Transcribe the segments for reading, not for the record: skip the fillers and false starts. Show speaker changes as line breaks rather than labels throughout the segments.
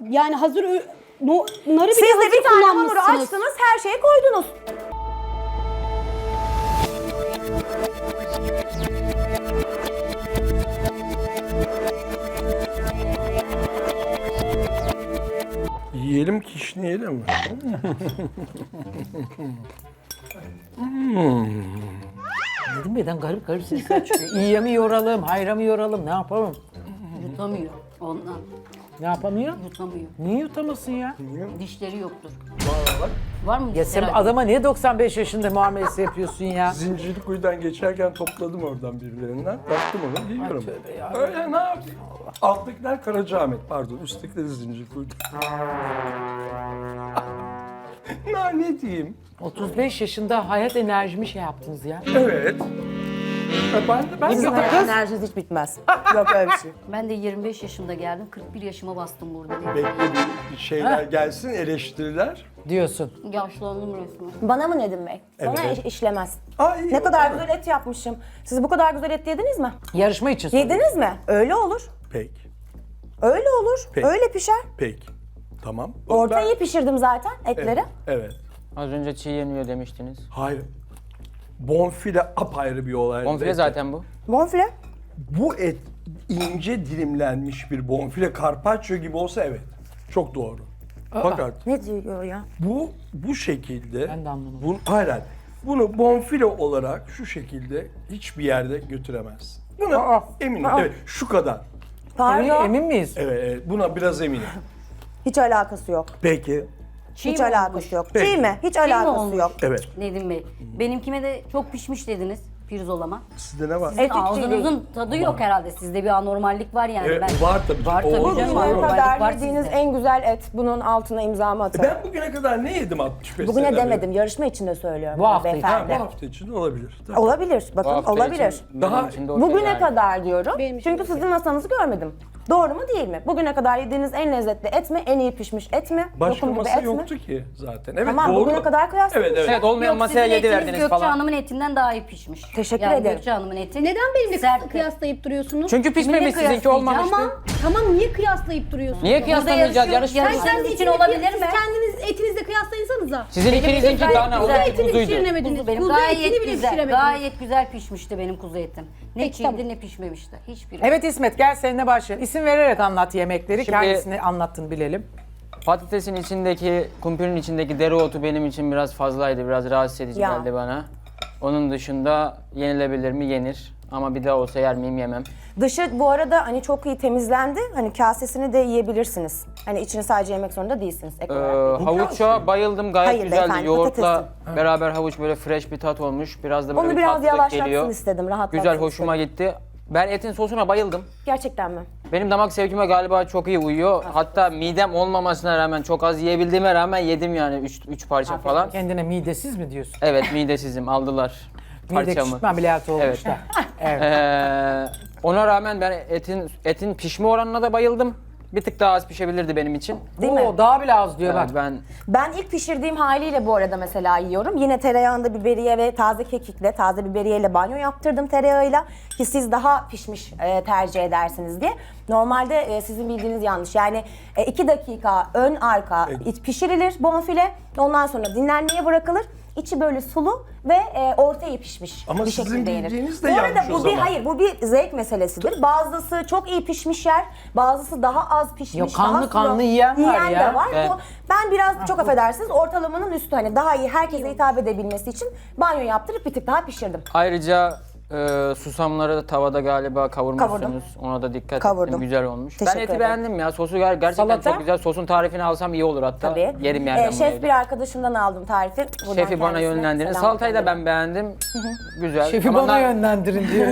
Yani hazır narı
Siz
bile
de
hazır
bir tane hamuru
kullanmışsınız.
açtınız, her şeyi koydunuz.
Yiyelim kişneyelim mi?
Dedim birden garip garip sesler çıkıyor. İyiye mi yoralım, hayra mı yoralım, ne yapalım?
Yutamıyor ondan.
Ne yapamıyor?
Yutamıyor.
Niye yutamasın ya?
Dişleri yoktur. Var mı?
Ya sen
Herhalde.
adama niye 95 yaşında muamelesi yapıyorsun ya?
Zincirlikuyu'dan geçerken topladım oradan birilerinden. Baktım onu yiyorum. Öyle ne yapayım? Alttakiler Karacaahmet pardon. Üsttekileri Zincirlikuyu'da. Ne diyeyim?
35 yaşında hayat enerjimi şey yaptınız ya.
Evet. Ben
Bizim
de
hayat enerjiniz hiç bitmez. Yok öyle bir şey.
Ben de 25 yaşında geldim. 41 yaşıma bastım burada.
bekle bir şeyler gelsin, eleştiriler.
Diyorsun.
Yaşlandım resmen.
Bana mı Nedim Bey? Bana
Evet.
işlemez.
Ay,
Ne kadar güzel et yapmışım. Siz bu kadar güzel et yediniz mi?
Yarışma için soruyorum.
Yediniz mi? Öyle olur.
Peki,
Öyle olur.
Peki.
Öyle pişer.
peki. Tamam.
Orta
Ben-
iyi pişirdim zaten etleri.
Evet.
Az önce çiğ yeniyor demiştiniz.
Hayır. Bonfile apayrı bir olay.
Bonfile zaten bu.
Bonfile.
Bu et ince dilimlenmiş bir bonfile carpaccio gibi olsa evet. Çok doğru. Fakat
Ne diyor ya?
bu şekilde
Ben de anlamadım.
Hayır, hayır. Bunu bonfile olarak şu şekilde hiçbir yerde götüremez. Buna eminim. Evet, şu kadar.
Pardon.
Emin miyiz?
Evet, evet, buna biraz eminim.
Hiç alakası yok.
Peki.
Çiğ
Hiç
mi
alakası
olmuş?
yok.
Peki.
Çiğ mi? Hiç
mi
alakası
olmuş?
yok.
Evet.
Nedim Bey. Benimkime de çok pişmiş dediniz. Pirzolama.
Sizde ne var?
Et hiç değil.
Ağzınızın tadı yok herhalde. Sizde bir anormallik var yani.
Evet,
Ben...
var tabii.
Var tabii
Olmaz
canım,
mı?
var.
Bugüne
Normallik
kadar
var
yediğiniz
sizde.
en güzel et. Bunun altına imzamı atarım.
Ben bugüne kadar ne yedim 65
Bugüne
senede?
demedim. Yarışma için de söylüyorum.
Bu hafta
Ha,
beyefendi.
bu hafta için olabilir. Tamam.
Olabilir.
Bu
Bakın
hafta
olabilir.
için benim
Daha-
için de okey
Bugüne
yani.
kadar diyorum.
Benim için
Çünkü sizin masanızı görmedim. Doğru mu değil mi? Bugüne kadar yediğiniz en lezzetli et mi? En iyi pişmiş et mi?
Başka
Lokum gibi
masa
et
yoktu
mi?
ki zaten. Evet,
Tamam,
doğru.
bugüne kadar kıyaslayın.
Evet, evet.
Evet olmayan
Yok,
masaya
sizin
7
etiniz
verdiniz
Gökçe
falan.
Hanım'ın etinden daha iyi pişmiş.
Teşekkür
yani
ederim.
Gökçe Hanım'ın eti.
Neden benimle
sert.
kıyaslayıp duruyorsunuz?
Çünkü pişmemiş
Kiminle
sizinki olmamıştı.
Tamam niye kıyaslayıp duruyorsunuz?
Niye kıyaslamayacağız?
yarışıyoruz.
Yarışma.
Yarışma için olabilir mi?
Siz kendiniz etinizle kıyaslayınsanıza.
Sizin ikinizinki
gayet
dana
güzel.
o
Etini
kuzuydu.
pişiremediniz.
Kuzu benim
Kuzu etini
gayet
bile
güzel.
pişiremediniz.
Gayet güzel pişmişti benim kuzu etim. Ne
Peki,
çiğdi
tamam.
ne pişmemişti. Hiçbiri.
Evet İsmet gel seninle başlayalım. İsim vererek anlat yemekleri.
Şimdi-
Kendisini anlattın bilelim.
Patatesin içindeki, kumpirin içindeki dereotu benim için biraz fazlaydı. Biraz rahatsız edici
Ya.
geldi bana. Onun dışında yenilebilir mi? Yenir. Ama bir daha olsa yer miyim? Yemem.
Dışı bu arada hani çok iyi temizlendi. Hani kasesini de yiyebilirsiniz. Hani içini sadece yemek zorunda değilsiniz. Ek olarak.
Havuça bayıldım. Gayet
Hayır
güzeldi.
beyefendi,
Yoğurtla beraber havuç böyle fresh bir tat olmuş. Biraz da böyle
Onu
bir
biraz
tatlılık
yavaşlatsın
geliyor.
istedim. Rahatlatsın
Güzel, hoşuma gitti. Ben etin sosuna bayıldım.
Gerçekten mi?
Benim damak zevkime galiba çok iyi uyuyor. Hatta midem olmamasına rağmen çok az yiyebildiğime rağmen yedim yani 3 parça falan.
Kendine midesiz mi diyorsun?
Evet midesizim aldılar
Mide
parçamı.
küçültme ameliyatı olmuş
Evet.
da. Evet.
Ona rağmen ben etin pişme oranına da bayıldım. Bir tık daha az pişebilirdi benim için.
Değil mi?
Oo, daha bile az diyor
Evet,
bak.
Ben ilk pişirdiğim haliyle bu arada mesela yiyorum. Yine tereyağında biberiye ve taze kekikle, taze biberiyeyle banyo yaptırdım tereyağıyla. Ki siz daha pişmiş tercih edersiniz diye. Normalde sizin bildiğiniz yanlış. Yani 2 dakika ön arka pişirilir bonfile. Ondan sonra dinlenmeye bırakılır. İçi böyle sulu ve orta iyi pişmiş
Ama
bir
sizin
şekilde yenir.
bildiğiniz de
bu arada
yanlış o
bu bir
zaman.
hayır bu bir zevk meselesidir. Bazısı çok iyi pişmiş yer, bazısı daha az pişmiş.
Yok, kanlı
daha sulu.
kanlı yiyen var ya.
de var.
Evet.
Ben biraz çok affedersiniz ortalamanın üstü hani daha iyi herkese hitap edebilmesi için banyo yaptırıp bir tık daha pişirdim.
Ayrıca susamları da tavada galiba kavurmuşsunuz.
Kavurdum.
Ona da dikkat
Kavurdum.
ettim. Güzel olmuş.
Teşekkür
Ben eti
ederim.
beğendim ya. Sosu gerçekten
Salata?
çok güzel. Sosun tarifini alsam iyi olur hatta.
Tabii.
Yerim yerden bunu
Şef
evde.
bir arkadaşımdan aldım tarifi. Buradan
Şefi bana
kendisine
yönlendirin.
selam
Salatayı da
gönderiyorum.
ben beğendim. Güzel.
Şefi
Ama
bana yönlendirin diyor.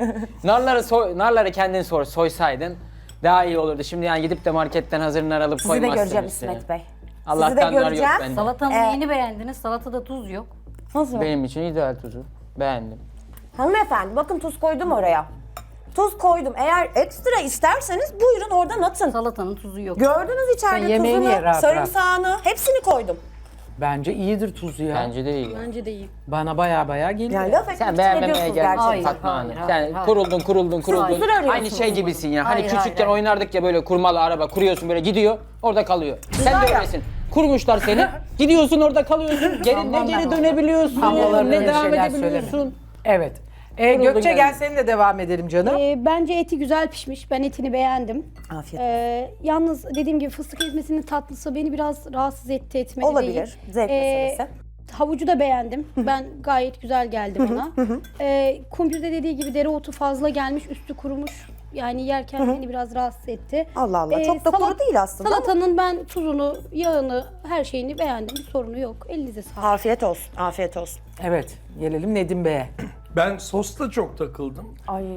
narları kendin soysaydın daha iyi olurdu. Şimdi yani gidip de marketten hazır nar alıp
Sizi de
koymazsın
göreceğim
üstüne.
İsmet Bey.
Allah'tan
Sizi de
nar yok
göreceğim.
bende.
Salatanın neyini beğendiniz? Salatada tuz yok.
Nasıl?
Benim için ideal tuzu. Beğendim.
Hanımefendi bakın tuz koydum oraya. Tuz koydum. Eğer ekstra isterseniz buyurun oradan atın.
Salatanın tuzu yok.
Gördünüz içeride
Sen yemeğini ye
tuzunu,
rahat
sarımsağını, hepsini koydum.
Bence iyidir tuzu ya.
Bence de iyi.
Bence de iyi.
Bana baya geliyor.
Yani laf etmek
Sen
için
beğenmemeye
ediyorsunuz
gelmişsin
Hayır,
Fatma Hanım.
hayır,
Yani
hayır.
kuruldun.
huzur arıyorsunuz
Aynı şey gibisin ya. Hani
Hayır,
küçükken
hayır.
oynardık ya böyle kurmalı araba kuruyorsun böyle gidiyor orada kalıyor. Sen
var
de
ya.
öylesin. Kurmuşlar seni. Gidiyorsun orada kalıyorsun. Geri, ne geri dönebiliyorsun
Havalarına
ne
öyle
devam
şeyler
edebiliyorsun.
söyleme. Evet.
Kuruldun
Gökçe gel
yani.
seninle devam edelim canım.
Bence eti güzel pişmiş. Ben etini beğendim.
Afiyet
Yalnız dediğim gibi fıstık ezmesinin tatlısı beni biraz rahatsız etti, etmedi
Olabilir.
değil.
Zevk meselesi.
Havucu da beğendim. Ben gayet güzel geldi bana. Kumpirde dediği gibi dereotu fazla gelmiş, üstü kurumuş. Yani yerken beni biraz rahatsız etti.
Allah Allah, çok da kuru değil aslında ama.
Salatanın ben tuzunu, yağını, her şeyini beğendim. Bir sorunu yok. Elinize sağlık.
Afiyet olsun, afiyet olsun.
Evet. Gelelim Nedim Bey'e.
Ben sosta çok takıldım.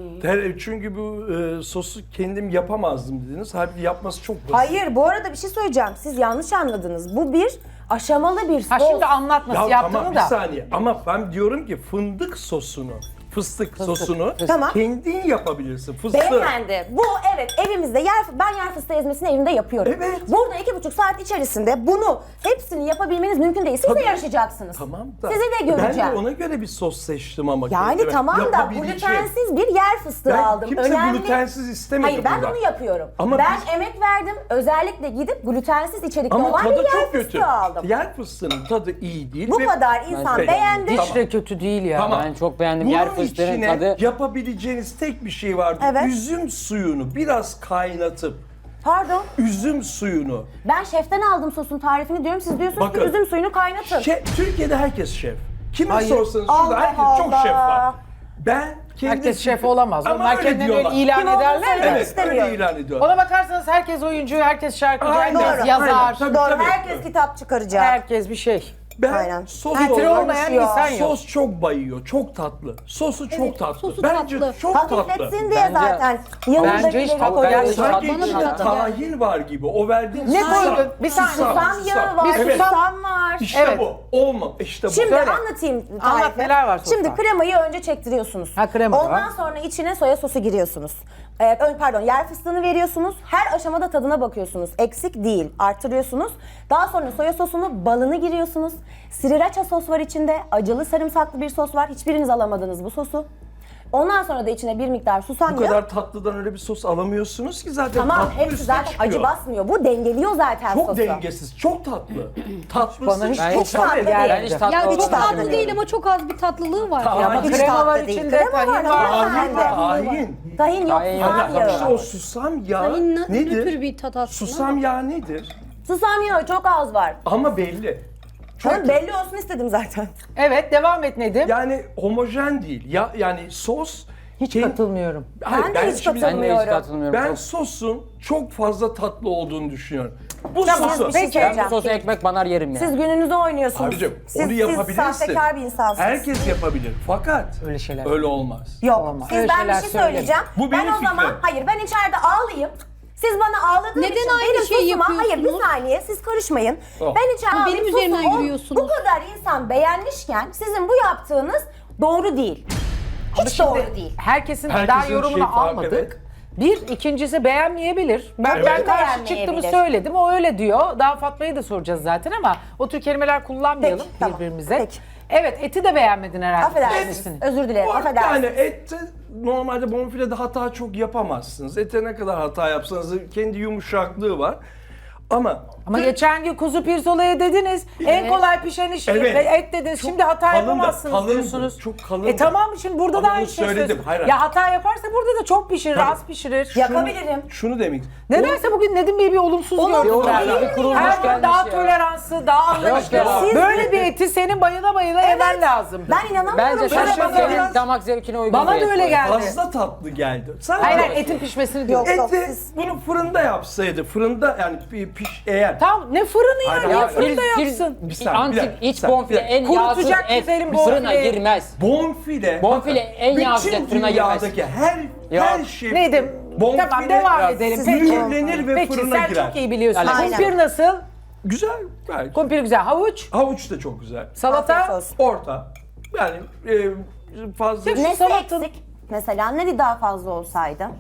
Çünkü bu sosu kendim yapamazdım dediniz. Halbuki yapması çok basit.
Hayır, bu arada bir şey söyleyeceğim. Siz yanlış anladınız. Bu bir aşamalı bir sos.
Ha şimdi anlat nasıl
Ya
yaptığını
tamam
da.
bir saniye ama ben diyorum ki fındık sosunu, fıstık sosunu
Tamam.
kendin yapabilirsin. Fıstığı.
Beyefendi, bu evet evimizde ben yer fıstığı ezmesini evimde yapıyorum.
Evet.
Burada 2,5 saat içerisinde bunu hepsini yapabilmeniz mümkün değil. Siz de yarışacaksınız.
Tamam da.
Sizi de göreceğim.
Ben de ona göre bir sos seçtim ama.
Yani
kendime.
tamam da
Yapabileceğim.
glutensiz bir yer fıstığı
Ben
aldım.
kimse glutensiz istemedi
Hayır ben
burada.
bunu yapıyorum.
Ama
ben
biz-
emek verdim. Özellikle gidip glutensiz içerikli
Ama
olan bir
tadı
yer
çok kötü.
fıstığı aldım.
Yer fıstığının tadı iyi değil.
Bu
ve-
kadar insan
Ben-
beğendi.
Hiç de kötü değil ya.
Tamam.
Ben çok beğendim.
Bunun
Yer fıstığının
içine
tadı.
yapabileceğiniz tek bir şey vardı.
Evet.
Üzüm suyunu biraz kaynatıp
Pardon.
üzüm suyunu.
Ben şeften aldım sosun tarifini diyorum. Siz diyorsunuz
Bakın.
ki üzüm suyunu kaynatın.
Türkiye'de herkes şef. Kime
Hayır.
sorsanız şurada
Allah
herkes çok
Allah.
şef var. Ben kendim...
Herkes şef olamaz.
Ama
Onlar
öyle
kendilerini öyle
diyorlar.
ilan
Kim olduğunu
ederler
söylemek
de.
Evet
istemiyor.
öyle ilan ediyorlar.
Ona bakarsanız herkes oyuncu, herkes şarkıcı,
Aynen.
herkes
Doğru.
yazar.
Aynen. Tabii,
Doğru.
tabii.
Herkes kitap çıkaracak.
Herkes bir şey.
Ben
Aynen.
sos
Titre
olarak
olmayan insan yok.
sos çok bayıyor, çok tatlı. Sosu çok
Evet,
tatlı.
sosu
Bence
tatlı.
çok tatlı.
Hafifletsin diye
Bence-
zaten.
Bence
Yanındakileri
hiç tatlı
koyuyoruz.
gelmedi.
Sanki
Bana da
içinde
tatlı
tahin var gibi. O verdiğin
Ne
susam.
koydun?
Bir saniye.
Susam yağı var,
Bir susam-
susam var.
İşte
Evet.
bu. Olmam. İşte bu.
Şimdi
Söyle.
anlatayım
Anlat,
tarifi.
neler var sosta?
Şimdi kremayı önce çektiriyorsunuz.
Ha, krema da
Ondan
var.
sonra içine soya sosu giriyorsunuz. Pardon yer fıstığını veriyorsunuz. Her aşamada tadına bakıyorsunuz. Eksik değil. Artırıyorsunuz. Daha sonra soya sosunu, balını giriyorsunuz. Sriracha sos var içinde. Acılı sarımsaklı bir sos var. Hiçbiriniz alamadınız bu sosu. Ondan sonra da içine bir miktar susam
Bu
yağı.
kadar tatlıdan öyle bir sos alamıyorsunuz ki zaten
Tamam
tatlı
hepsi
üstüne
zaten
çıkıyor.
acı basmıyor. Bu dengeliyor zaten
Çok
sosu.
dengesiz, çok tatlı. Tatlısı
Bana hiç
Ben
çok
hiç
tatlı
tatlı
değil.
Ben
geldi.
hiç tatlı
Ya çok
olduğunu
tatlı
düşünmüyorum.
değil ama çok az bir tatlılığı var.
Tahin.
Ya ama
Hiç
krema var
tatlı değil.
içinde,
Krema
tahin
var,
var.
Tahin,
var.
tahin.
Tahin yok,
Tahin
susam
yok.
yağı.
İşte o susam yağı
Tahin nötr
nedir?
bir tat aslında.
Susam yağı nedir?
Susam yağı çok az var.
Ama belli.
Canım belli olsun istedim zaten.
Evet devam et Nedim.
Yani homojen değil. Ya yani sos
Hiç katılmıyorum.
Hayır,
Ben de hiç
şimdi-
Ben de hiç
Katılmıyorum.
katılmıyorum.
Ben
Çok-
sosun çok fazla tatlı olduğunu düşünüyorum. Bu
Tamam,
sosu
bir şey
Ben bu
söyleyeceğim.
sosu ekmek banar yerim ya.
Siz gününüzü oynuyorsunuz.
Abicim
siz,
onu yapabilirsin.
Siz sahtekar bir insansınız.
Herkes yapabilir. Fakat
Öyle şeyler.
öyle olmaz.
Yok.
Olmaz.
Siz
Öyle
ben bir
şeyler
şey
söyleme.
söyleyeceğim.
Bu
ben
benim
o zaman
fikrim.
hayır ben içeride ağlayayım. Siz bana ağladığınız
Neden
için
aynı
benim
şeyi
sosuma, hayır bir
yapıyorsunuz?
saniye siz karışmayın.
Oh.
Ben içeride
Ama benim
ağlayıp
üzerimden
sosumu
yürüyorsunuz.
Bu kadar insan beğenmişken sizin bu yaptığınız doğru değil. Hiç
Şimdi
doğru değil.
Herkesin
Herkesin
daha
şey
yorumunu
farklı,
almadık.
evet.
Bir, ikincisi beğenmeyebilir. Ben
Evet.
karşı
Beğenmeyebilir.
çıktığımı söyledim. O öyle diyor. Daha Fatma'ya da soracağız zaten ama o tür kelimeler kullanmayalım
Peki, tamam.
birbirimize.
Peki.
Evet, eti de beğenmedin herhalde.
Affedersiniz.
kendisini.
Özür dilerim.
Bu arada
Affedersiniz.
yani ette normalde bonfilede hata çok yapamazsınız. Ete ne kadar hata yapsanız da kendi yumuşaklığı var. Ama
Ama geçen gün kuzu pirzolaya dediniz. En kolay pişen iş
Evet.
et dediniz.
Çok
Şimdi hata
kalındı,
yapamazsınız
kalındı.
diyorsunuz.
Çok kalındı.
Tamam şimdi burada
Ama
da aynı
bunu
şey
söyledim,
söylüyorsun.
hayır.
Ya hata yaparsa burada da çok pişirir,
Tabii.
az pişirir.
Yapabilirim.
şunu demek.
Nedense bugün Nedim Bey bir olumsuz
Olumsuz
gördüm.
değil.
ben.
Bir kurulmuş
Her gün
gelmiş
daha
ya.
toleranslı, daha anlayışlı.
ya.
Siz-
Böyle bir eti senin bayıla bayıla yemen lazımdı.
Ben inanamıyorum.
Bence
böyle
sen
bana.
senin damak zevkine uygun
Bana
bir
da
et
öyle
koy.
geldi.
Fazla tatlı geldi. Sadece
Hayır hayır, etin pişmesini diyor.
Yok.
eti
siz-
bunu fırında yapsaydı, fırında yani eğer
Tamam ne fırını ya,
Hayır,
niye
hayır,
fırında
Bir-
yapsın?
Bir saniye, bir
Antik
dakika,
iç
bir saniye,
bonfile
bir dakika.
en yağsız
Kurutacak
et
güzelim
fırına
bonfileyi.
girmez.
Bonfile.
Bonfile
bakın,
en yağsız
bütün
et fırına girmez.
dünyadaki her
Ya,
şey.
Nedim, tamam devam edelim. Peki.
Mühürlenir ve
Peki
fırına
sen
girer.
çok iyi biliyorsun.
Aynen.
Kumpir nasıl?
Güzel. Gayet.
Kumpir güzel. Havuç,
Havuç da çok güzel.
Afiyet
salata.
olsun.
Orta. Yani fazla.
Nesi
Salatın-
eksik? Mesela ne daha fazla olsaydı?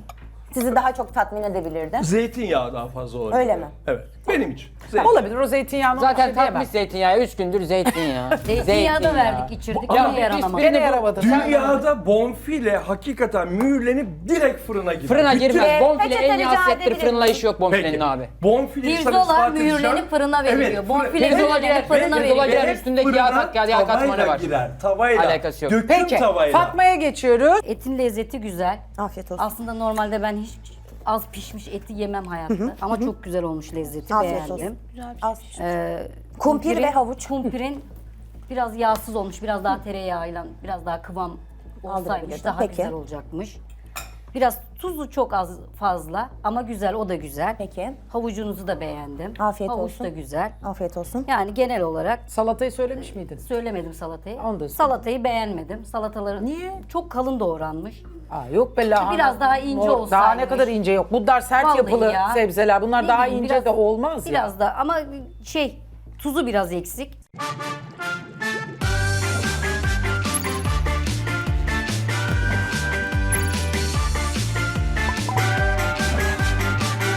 sizi daha çok tatmin edebilirdi?
Zeytinyağı daha fazla olabilir.
Öyle mi?
Evet. Benim için. Zeytinyağı.
Olabilir o zeytinyağını
Zaten
şey diyemem.
tatmış zeytinyağı. 3 gündür zeytinyağı.
Zeytinyağı da verdik, içirdik.
Ya
Yine yaranamadı.
Gene yaramadı.
Dünyada bonfile hakikaten mühürlenip direkt fırına girer.
Fırına
Bütün-
girmez. Bonfile
peçete
en iyi
rica
hasrettir.
edebilir
Fırınla
miyim?
işi yok bonfilenin abi.
Bonfileyi sana
Pirzola
ispat edeceğim.
mühürlenip fırına veriliyor.
Evet,
Bonfile
Pirzola
mühürlenip
girer,
fırına
pirzola
veriliyor.
girer. Üstündeki yağ kat- yağ katmanı
tavayla
var.
girer. Tavayla.
Alakası yok.
Döküm
Peki
tavayla.
Fatma'ya geçiyoruz.
Etin lezzeti güzel.
Afiyet olsun.
Aslında normalde ben hiç az pişmiş eti yemem hayatta. Ama çok güzel olmuş lezzeti,
Afiyet olsun.
beğendim.
Az.
Ee,
Kumpir ve havuç.
Kumpirin biraz yağsız olmuş, biraz daha tereyağıyla, biraz daha kıvam olsaymış
Aldırabilirdim.
daha
Peki.
güzel olacakmış. Biraz tuzu çok az fazla ama güzel, o da güzel.
Peki.
Havucunuzu da beğendim.
Afiyet
Havuç
olsun.
da güzel.
Afiyet olsun.
Yani genel olarak
Salatayı söylemiş miydin?
söylemedim salatayı.
Onu da söyle.
Salatayı beğenmedim. Salataları
Niye?
çok kalın doğranmış.
Aa, yok be lahana.
Biraz daha ince
Daha ne
olsaymış.
kadar ince yok. Bunlar sert
Vallahi
yapılı
ya.
sebzeler. Bunlar
Ne
daha
bileyim,
ince
biraz-
de olmaz ya.
Biraz da ama tuzu biraz eksik.